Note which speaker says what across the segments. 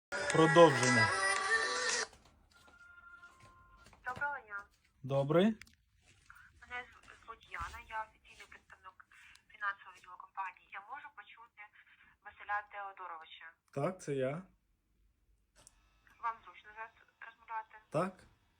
Speaker 1: Продовження.
Speaker 2: Доброго дня.
Speaker 1: Добрий.
Speaker 2: Мене звуть Яна, я офіційний представник фінансового відділу компанії. Я можу почути Василя Теодоровича.
Speaker 1: Так, це я.
Speaker 2: Вам зручно зараз розмовляти?
Speaker 1: Так.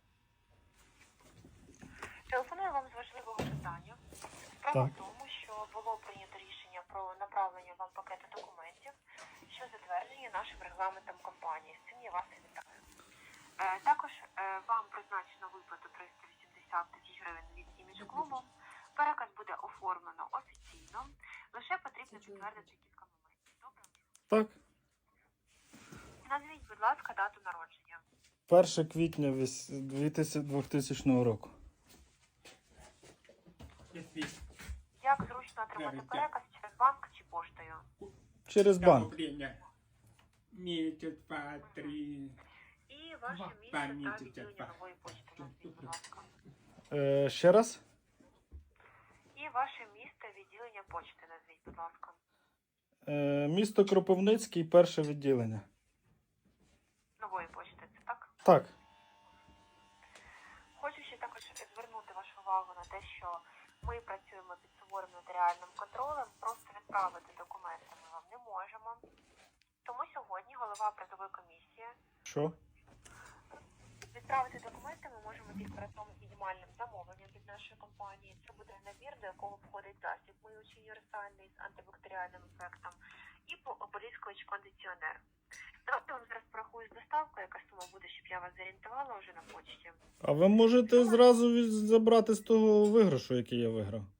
Speaker 2: Телефоную вам з важливого питання. Справа
Speaker 1: Так.
Speaker 2: в тому, що було прийнято рішення про направлення вам пакету документів, що затверджені нашим регламентом компанії. З цим я вас і вітаю. Також вам призначено виплату 380 тисяч гривень від імідж клубу. Переказ буде оформлено офіційно. Лише потрібно підтвердити кілька моментів. Добре?
Speaker 1: Так.
Speaker 2: Назвіть, будь ласка, дату народження.
Speaker 1: 1 квітня 2000 року.
Speaker 2: Як зручно отримати переказ через банк чи поштою?
Speaker 1: Через банк.
Speaker 3: Управління. Місяць, два, три.
Speaker 2: І ваше місце та відділення нової почти. Назвіть, будь ласка.
Speaker 1: Ще раз.
Speaker 2: І ваше місце відділення почти. Назвіть, будь ласка.
Speaker 1: Місто Кропивницький, перше відділення.
Speaker 2: Нової почти, це так?
Speaker 1: Так.
Speaker 2: Хочу ще також звернути вашу увагу на те, що ми працюємо під суворим нотаріальним контролем, просто відправити документи ми вам не можемо. Тому сьогодні голова призової комісії
Speaker 1: Що?
Speaker 2: відправити документи ми можемо тільки разом з мінімальним замовленням від нашої компанії. Це буде набір, до якого входить засіб миючий універсальний з антибактеріальним ефектом і ополіскувач кондиціонер. Давайте я вам зараз порахую з доставкою, яка сума буде, щоб я вас зорієнтувала вже на почті.
Speaker 1: А ви можете зразу забрати з того виграшу, який я виграв?